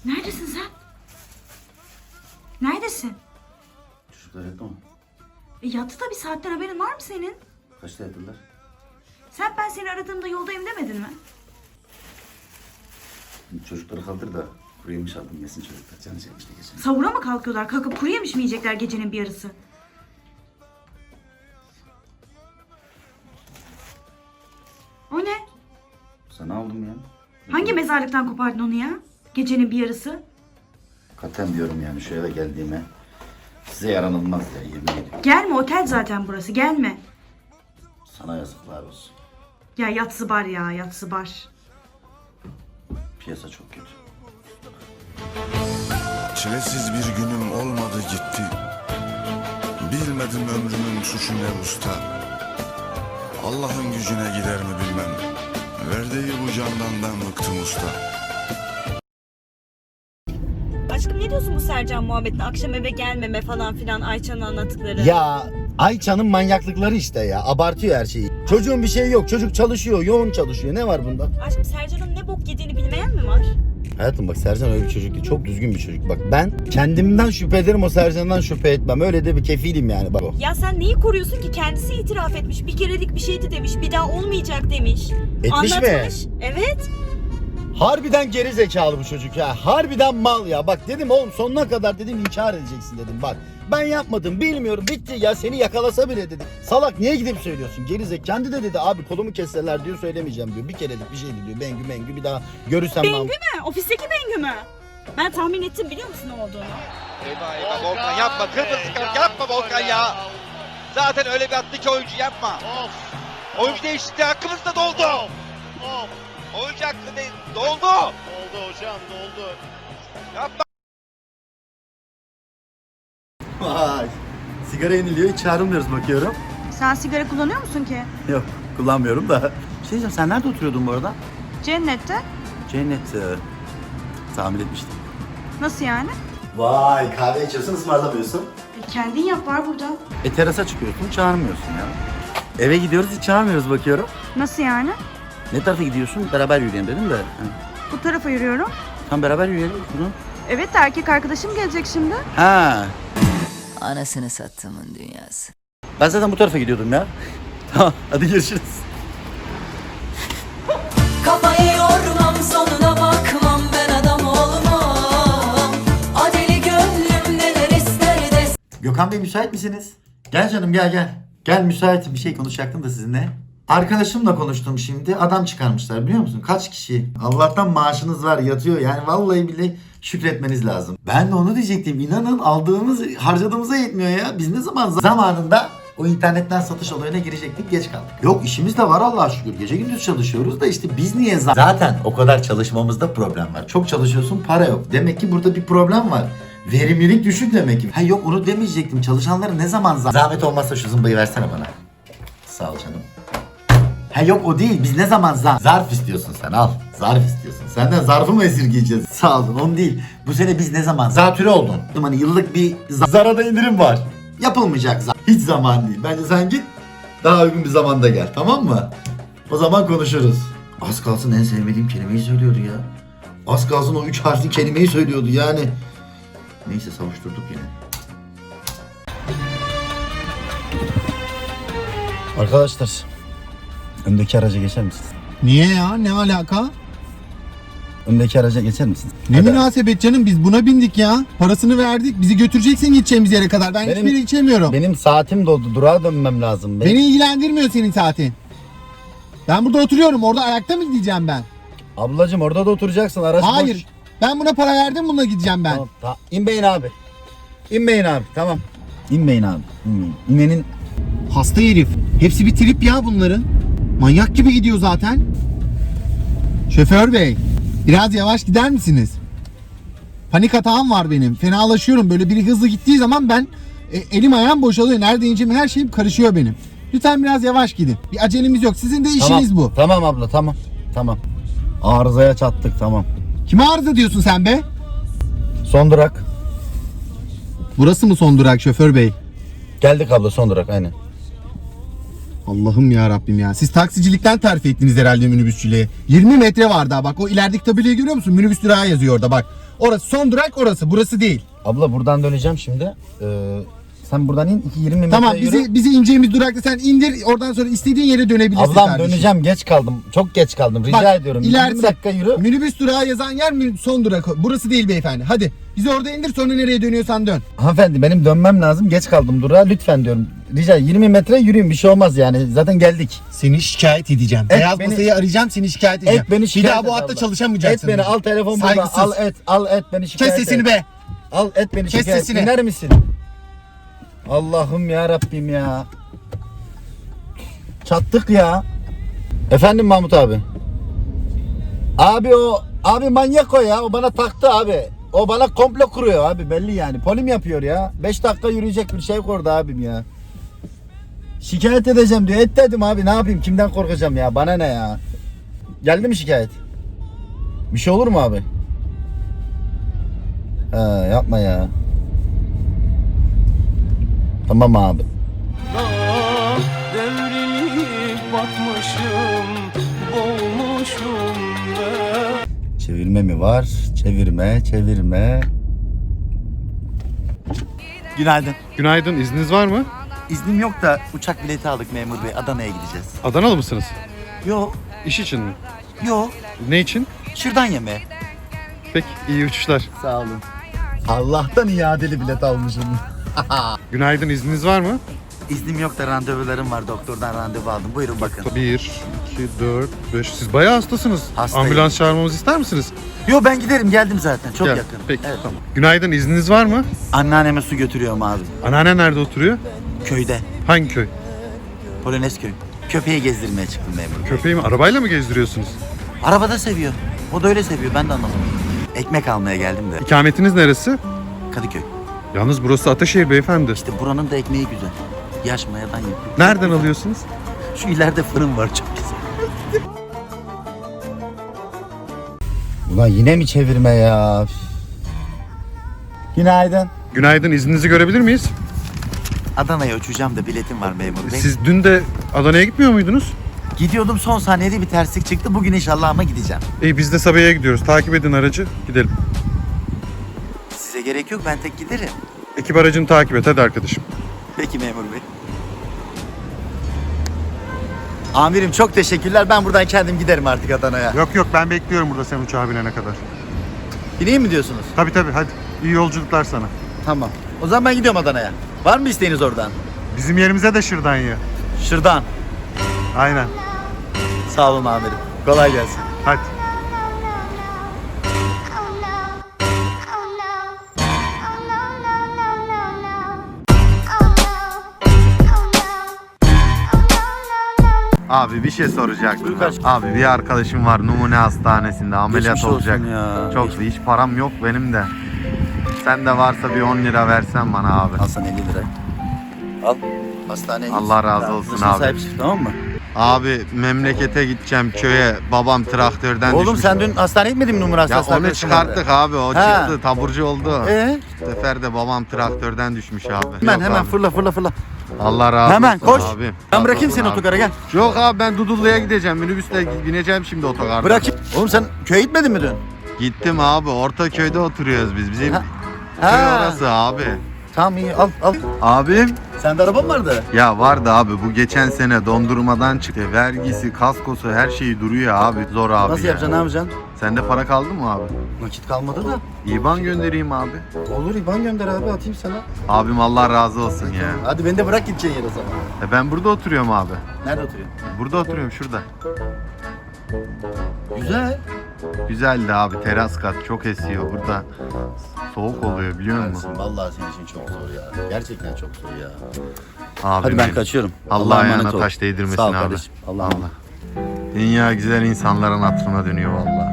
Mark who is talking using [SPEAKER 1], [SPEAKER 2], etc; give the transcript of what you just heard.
[SPEAKER 1] Neredesin sen? Neredesin?
[SPEAKER 2] Çocuklar yattı mı?
[SPEAKER 1] Yattı da bir saatten haberin var mı senin?
[SPEAKER 2] Kaçta yattılar?
[SPEAKER 1] Sen ben seni aradığımda yoldayım demedin mi?
[SPEAKER 2] Çocukları kaldır da kuru yemiş aldım yesin çocuklar. Canı çekmişti geçen.
[SPEAKER 1] Sahura mı kalkıyorlar? Kalkıp kuru yemiş mi yiyecekler gecenin bir yarısı? O ne?
[SPEAKER 2] Sana aldım ya.
[SPEAKER 1] Hangi mezarlıktan kopardın onu ya? Gecenin bir yarısı.
[SPEAKER 2] Katen diyorum yani şu eve geldiğime. Size yaranılmaz ya yemin ediyorum.
[SPEAKER 1] Gelme, otel zaten burası, gelme.
[SPEAKER 2] Sana yazıklar olsun.
[SPEAKER 1] Ya yatsı bar ya, yatsı bar.
[SPEAKER 2] Piyasa çok kötü.
[SPEAKER 3] Çilesiz bir günüm olmadı gitti. Bilmedim ömrümün suçu ne usta. Allah'ın gücüne gider mi bilmem. Verdiği bu candan ben bıktım usta.
[SPEAKER 1] Aşkım ne diyorsun bu Sercan muhabbetine? Akşam eve gelmeme falan filan, Ayça'nın anlattıkları.
[SPEAKER 4] Ya Ayça'nın manyaklıkları işte ya. Abartıyor her şeyi. Çocuğun bir şeyi yok. Çocuk çalışıyor. Yoğun çalışıyor. Ne var bunda?
[SPEAKER 1] Aşkım Sercan'ın ne bok yediğini bilmeyen mi var?
[SPEAKER 4] Hayatım bak Sercan öyle bir çocuk değil. Çok düzgün bir çocuk. Bak ben kendimden şüphe ederim, o Sercan'dan şüphe etmem. Öyle de bir kefilim yani bak o.
[SPEAKER 1] Ya sen neyi koruyorsun ki? Kendisi itiraf etmiş. Bir kerelik bir şeydi demiş. Bir daha olmayacak demiş.
[SPEAKER 4] Etmiş mi?
[SPEAKER 1] Anlatmış. Evet.
[SPEAKER 4] Harbiden geri zekalı bu çocuk ya. Harbiden mal ya. Bak dedim oğlum sonuna kadar dedim inkar edeceksin dedim. Bak ben yapmadım, bilmiyorum, bitti ya, seni yakalasa bile dedim. Salak niye gidip söylüyorsun? Geri zekalı. Kendi de dedi abi kolumu kesseler diyor, söylemeyeceğim diyor. Bir kerelik bir şeydi diyor. Bengü mengü bir daha görürsem
[SPEAKER 1] Bengü mü? Ofisteki Bengü mü? Ben tahmin ettim, biliyor musun ne olduğunu?
[SPEAKER 5] Eyvah eyvah Volkan yapma, kırmızı kart yapma Volkan ya. Zaten öyle bir attı ki oyuncu, yapma. Oyuncu değişikliği hakkımız da doldu. Oyuncu hakkı değil, doldu.
[SPEAKER 6] Oldu hocam, doldu.
[SPEAKER 5] Yapma.
[SPEAKER 4] Vay. Sigara yeniliyor, hiç çağrılmıyoruz bakıyorum.
[SPEAKER 1] Sen sigara kullanıyor musun ki?
[SPEAKER 4] Yok kullanmıyorum da. Bir şey diyeceğim, sen nerede oturuyordun bu arada?
[SPEAKER 1] Cennette.
[SPEAKER 4] Cennet. Tahmin etmiştim.
[SPEAKER 1] Nasıl yani?
[SPEAKER 4] Vay kahve içiyorsun, ısmarlamıyorsun.
[SPEAKER 1] Kendin yap, var burada.
[SPEAKER 4] Terasa çıkıyorsun, çağırmıyorsun ya. Eve gidiyoruz, hiç çağırmıyoruz bakıyorum.
[SPEAKER 1] Nasıl yani?
[SPEAKER 4] Ne tarafa gidiyorsun? Beraber yürüyelim dedim de.
[SPEAKER 1] Bu tarafa yürüyorum.
[SPEAKER 4] Tam beraber yürüyelim. Bunu.
[SPEAKER 1] Evet de erkek arkadaşım gelecek şimdi.
[SPEAKER 4] Ha.
[SPEAKER 7] Anasını sattığımın dünyası.
[SPEAKER 4] Ben zaten bu tarafa gidiyordum ya. Tamam, hadi görüşürüz.
[SPEAKER 7] Kafayı yormam, sonuna bakmam, ben adam olmam. Adeli gönlüm neler ister de.
[SPEAKER 4] Gökhan Bey müsait misiniz? Gel canım gel. Gel müsaitim, bir şey konuşacaktım da sizinle. Arkadaşımla konuştum şimdi. Adam çıkarmışlar biliyor musun? Kaç kişi? Allah'tan maaşınız var, yatıyor. Yani vallahi billahi şükretmeniz lazım. Ben de onu diyecektim. İnanın aldığımız harcadığımıza yetmiyor ya. Biz ne zaman zamanında o internetten satış olayına girecektik, geç kaldık. Yok işimiz de var Allah'a şükür. Gece gündüz çalışıyoruz da işte biz niye zaten o kadar çalışmamızda problem var. Çok çalışıyorsun, para yok. Demek ki burada bir problem var. Verimlilik düşük demek ki. Ha yok onu demeyecektim. Çalışanları ne zaman zahmet olmazsa şu zımbayı versene bana. Sağ ol canım. Ha yok o değil. Biz ne zaman zarf istiyorsun sen, al. Zarf istiyorsun. Senden zarfı mı esirgeyeceğiz? Sağ olun, onu değil. Bu sene biz ne zaman zatürre oldun? Hani yıllık bir zarada indirim var. Yapılmayacak hiç zaman değil. Bence sen git daha uygun bir zamanda gel, tamam mı? O zaman konuşuruz. Az kalsın en sevmediğim kelimeyi söylüyordu ya. Az kalsın o 3 harfli kelimeyi söylüyordu yani. Neyse savuşturduk yine. Arkadaşlar, öndeki araca geçer misiniz?
[SPEAKER 8] Niye ya? Ne alaka?
[SPEAKER 4] Öndeki araca geçer misiniz?
[SPEAKER 8] Ne
[SPEAKER 4] Hadi.
[SPEAKER 8] münasebet canım, biz buna bindik ya. Parasını verdik. Bizi götüreceksin gideceğimiz yere kadar. Ben hiçbir yere geçemiyorum.
[SPEAKER 4] Benim saatim doldu. Durağa dönmem lazım.
[SPEAKER 8] Beni ilgilendirmiyor senin saatin. Ben burada oturuyorum. Orada ayakta mı gideceğim ben?
[SPEAKER 4] Ablacım orada da oturacaksın. Arası
[SPEAKER 8] Hayır.
[SPEAKER 4] boş.
[SPEAKER 8] Ben buna para verdim, bununla gideceğim ben.
[SPEAKER 4] Tamam. İnmeyin abi. İnmeyin abi. Tamam. İnmeyin abi. İnmeyin. İnenin.
[SPEAKER 8] Hasta herif. Hepsi bir trip ya bunların. Manyak gibi gidiyor zaten. Şoför bey, biraz yavaş gider misiniz? Panik atağım var benim. Fenalaşıyorum. Böyle biri hızlı gittiği zaman ben elim ayağım boşalıyor. Nerede ineceğim her şeyim karışıyor benim. Lütfen biraz yavaş gidin. Bir acelemiz yok. Sizin de işiniz
[SPEAKER 4] Tamam.
[SPEAKER 8] bu.
[SPEAKER 4] Tamam abla tamam. Tamam. Arızaya çattık tamam.
[SPEAKER 8] Kime arıza diyorsun sen be?
[SPEAKER 4] Son durak.
[SPEAKER 8] Burası mı son durak şoför bey?
[SPEAKER 4] Geldik abla, son durak aynen.
[SPEAKER 8] Allah'ım ya Rabbim ya. Siz taksicilikten terfi ettiniz herhalde minibüsçülüğe. 20 metre var daha bak. O ilerideki tabelayı görüyor musun? Minibüs durağı yazıyor orada bak. Orası son durak orası. Burası değil.
[SPEAKER 4] Abla buradan döneceğim şimdi. Sen buradan in 20 metre
[SPEAKER 8] Tamam
[SPEAKER 4] yürü.
[SPEAKER 8] bizi ineceğimiz durakta sen indir. Oradan sonra istediğin yere dönebilirsin
[SPEAKER 4] Ablam
[SPEAKER 8] kardeşim.
[SPEAKER 4] döneceğim, geç kaldım. Çok geç kaldım. Rica
[SPEAKER 8] Bak,
[SPEAKER 4] ediyorum.
[SPEAKER 8] ilerisi-
[SPEAKER 4] 20 dakika yürü.
[SPEAKER 8] Minibüs durağı yazan yer son durak. Burası değil beyefendi. Hadi bizi orada indir, sonra nereye dönüyorsan dön.
[SPEAKER 4] Hanımefendi benim dönmem lazım. Geç kaldım durağa. Lütfen diyorum. Rica 20 metre yürüyün, bir şey olmaz yani. Zaten geldik.
[SPEAKER 8] Seni şikayet edeceğim.
[SPEAKER 4] Et
[SPEAKER 8] Beyaz
[SPEAKER 4] beni-
[SPEAKER 8] masayı arayacağım, seni şikayet edeceğim.
[SPEAKER 4] Et beni
[SPEAKER 8] Bir
[SPEAKER 4] şikayet
[SPEAKER 8] daha bu
[SPEAKER 4] et
[SPEAKER 8] hatta
[SPEAKER 4] abla.
[SPEAKER 8] çalışamayacaksın.
[SPEAKER 4] Et beni, al telefon burada.
[SPEAKER 8] Saygısız.
[SPEAKER 4] Al et beni şikayet
[SPEAKER 8] Kes sesini
[SPEAKER 4] et.
[SPEAKER 8] be.
[SPEAKER 4] Al et beni
[SPEAKER 8] Kes
[SPEAKER 4] şikayet.
[SPEAKER 8] sesini.
[SPEAKER 4] İner misin? Allah'ım ya Rabbim ya. Çattık ya. Efendim Mahmut abi. Abi manyak o ya. O bana taktı abi. O bana komplo kuruyor abi, belli yani. Polim yapıyor ya. 5 dakika yürüyecek bir şey kordu abim ya. Şikayet edeceğim diyor. Et dedim abi, ne yapayım? Kimden korkacağım ya? Bana ne ya? Geldi mi şikayet? Bir şey olur mu abi? Yapma ya. Tamam abi.
[SPEAKER 6] Devrilip batmışım, boğulmuşum ben.
[SPEAKER 4] Çevirme mi var? Çevirme.
[SPEAKER 9] Günaydın.
[SPEAKER 10] Günaydın, izniniz var mı?
[SPEAKER 9] İznim yok da uçak bileti aldık memur bey. Adana'ya gideceğiz.
[SPEAKER 10] Adanalı mısınız?
[SPEAKER 9] Yo,
[SPEAKER 10] İş için mi?
[SPEAKER 9] yo.
[SPEAKER 10] Ne için?
[SPEAKER 9] Şırdan yeme.
[SPEAKER 10] Peki, iyi uçuşlar.
[SPEAKER 9] Sağ olun.
[SPEAKER 4] Allah'tan iadeli bilet almışım.
[SPEAKER 10] Günaydın, izniniz var mı?
[SPEAKER 9] İznim yok da randevularım var. Doktordan randevu aldım. Buyurun bakın.
[SPEAKER 10] 1, 2, 4, 5. Siz bayağı hastasınız.
[SPEAKER 9] Hastayım.
[SPEAKER 10] Ambulans çağırmamızı ister misiniz?
[SPEAKER 9] Yo, ben giderim. Geldim zaten. Çok
[SPEAKER 10] Gel.
[SPEAKER 9] yakın.
[SPEAKER 10] Peki,
[SPEAKER 9] Evet.
[SPEAKER 10] tamam. Günaydın, izniniz var mı?
[SPEAKER 9] Anneanneme su götürüyorum abi.
[SPEAKER 10] Anneanne nerede oturuyor?
[SPEAKER 9] Köyde.
[SPEAKER 10] Hangi köy?
[SPEAKER 9] Polonezköy. Köpeği gezdirmeye çıktım memur bey.
[SPEAKER 10] Köpeği mi? Arabayla mı gezdiriyorsunuz?
[SPEAKER 9] Arabada seviyor. O da öyle seviyor. Ben de anlamadım. Ekmek almaya geldim de.
[SPEAKER 10] İkametiniz neresi?
[SPEAKER 9] Kadıköy.
[SPEAKER 10] Yalnız burası Ataşehir beyefendi.
[SPEAKER 9] İşte buranın da ekmeği güzel. Yaş mayadan yapıyor.
[SPEAKER 10] Nereden alıyorsunuz?
[SPEAKER 9] Şu ileride fırın var, çok güzel.
[SPEAKER 4] Ulan yine mi çevirme ya? Günaydın.
[SPEAKER 10] Günaydın, izninizi görebilir miyiz?
[SPEAKER 9] Adana'ya uçacağım da biletim var memur bey.
[SPEAKER 10] Siz dün de Adana'ya gitmiyor muydunuz?
[SPEAKER 9] Gidiyordum, son saniyede bir terslik çıktı. Bugün inşallah ama gideceğim.
[SPEAKER 10] İyi, biz de Sabiha'ya gidiyoruz. Takip edin aracı, gidelim.
[SPEAKER 9] Size gerek yok, ben tek giderim.
[SPEAKER 10] Ekip aracını takip et, hadi arkadaşım.
[SPEAKER 9] Peki memur bey. Amirim çok teşekkürler. Ben buradan kendim giderim artık Adana'ya.
[SPEAKER 10] Yok, ben bekliyorum burada sen uçağa binene kadar.
[SPEAKER 9] Bineyim mi diyorsunuz?
[SPEAKER 10] Tabii hadi. İyi yolculuklar sana.
[SPEAKER 9] Tamam. O zaman ben gidiyorum Adana'ya. Var mı isteğiniz oradan?
[SPEAKER 10] Bizim yerimize de şırdan ye.
[SPEAKER 9] Şırdan.
[SPEAKER 10] Aynen.
[SPEAKER 9] Sağ olun amirim. Kolay gelsin.
[SPEAKER 10] Hadi.
[SPEAKER 11] Abi bir şey soracaktım.
[SPEAKER 9] Buyur kardeşim.
[SPEAKER 11] Abi bir arkadaşım var numune hastanesinde ameliyat
[SPEAKER 9] Geçmiş olsun
[SPEAKER 11] olacak.
[SPEAKER 9] ya.
[SPEAKER 11] Çok hiç param yok benim de. Sen de varsa bir 10 lira versen bana abi.
[SPEAKER 9] Al sana 50 lira. Al. Hastaneye git.
[SPEAKER 11] Allah razı
[SPEAKER 9] Tamam,
[SPEAKER 11] olsun
[SPEAKER 9] başına
[SPEAKER 11] abi.
[SPEAKER 9] sahip çık, tamam mı?
[SPEAKER 11] Abi memlekete gideceğim köye. Babam traktörden
[SPEAKER 9] Oğlum
[SPEAKER 11] düşmüş.
[SPEAKER 9] sen dün hastaneye gitmedin mi numara
[SPEAKER 11] Ya
[SPEAKER 9] hastanesine?
[SPEAKER 11] onu çıkarttık abi, o
[SPEAKER 9] Ha.
[SPEAKER 11] çıktı, taburcu oldu. Bu sefer de babam traktörden düşmüş abi.
[SPEAKER 9] Hemen
[SPEAKER 11] Yok abi.
[SPEAKER 9] fırla.
[SPEAKER 11] Allah razı
[SPEAKER 9] Hemen
[SPEAKER 11] olsun
[SPEAKER 9] koş.
[SPEAKER 11] abi.
[SPEAKER 9] Ben bırakayım
[SPEAKER 11] Razı
[SPEAKER 9] seni
[SPEAKER 11] olsun
[SPEAKER 9] otogara, gel.
[SPEAKER 11] Yok abi, ben Dudullu'ya gideceğim. Minibüsle bineceğim şimdi otogarda.
[SPEAKER 9] Bırakayım. Oğlum sen köye gitmedin mi dün?
[SPEAKER 11] Gittim abi, Ortaköy'de oturuyoruz biz. Bizim
[SPEAKER 9] Ha.
[SPEAKER 11] köy
[SPEAKER 9] Ha.
[SPEAKER 11] orası abi.
[SPEAKER 9] Tamam, iyi, al.
[SPEAKER 11] Abim
[SPEAKER 9] Sende araba mı vardı?
[SPEAKER 11] ya vardı abi, bu geçen sene dondurmadan çıktı. Vergisi, kaskosu, her şeyi duruyor abi. Zor abi
[SPEAKER 9] Nasıl
[SPEAKER 11] ya.
[SPEAKER 9] yapacaksın, ne yapacaksın?
[SPEAKER 11] Sende para kaldı mı abi?
[SPEAKER 9] Nakit kalmadı da.
[SPEAKER 11] İban göndereyim abi.
[SPEAKER 9] Olur, İban gönder abi, atayım sana.
[SPEAKER 11] Abim Allah razı olsun ya.
[SPEAKER 9] Hadi beni de bırak gideceğin yere o zaman.
[SPEAKER 11] Ben burada oturuyorum abi.
[SPEAKER 9] Nerede oturuyorsun?
[SPEAKER 11] Burada oturuyorum, şurada.
[SPEAKER 9] Güzel.
[SPEAKER 11] Güzeldi abi, teras kat, çok esiyor burada. Soğuk oluyor biliyor musun?
[SPEAKER 9] Kardeşim, vallahi senin için çok zor ya. Gerçekten çok zor ya.
[SPEAKER 11] Abi
[SPEAKER 9] Hadi ben kaçıyorum.
[SPEAKER 11] Allah ayağına
[SPEAKER 9] emanet ol.
[SPEAKER 11] taş değdirmesin
[SPEAKER 9] Sağ ol
[SPEAKER 11] abi.
[SPEAKER 9] kardeşim. Allah'a emanet.
[SPEAKER 11] Dünya güzel insanların hatırına dönüyor vallahi.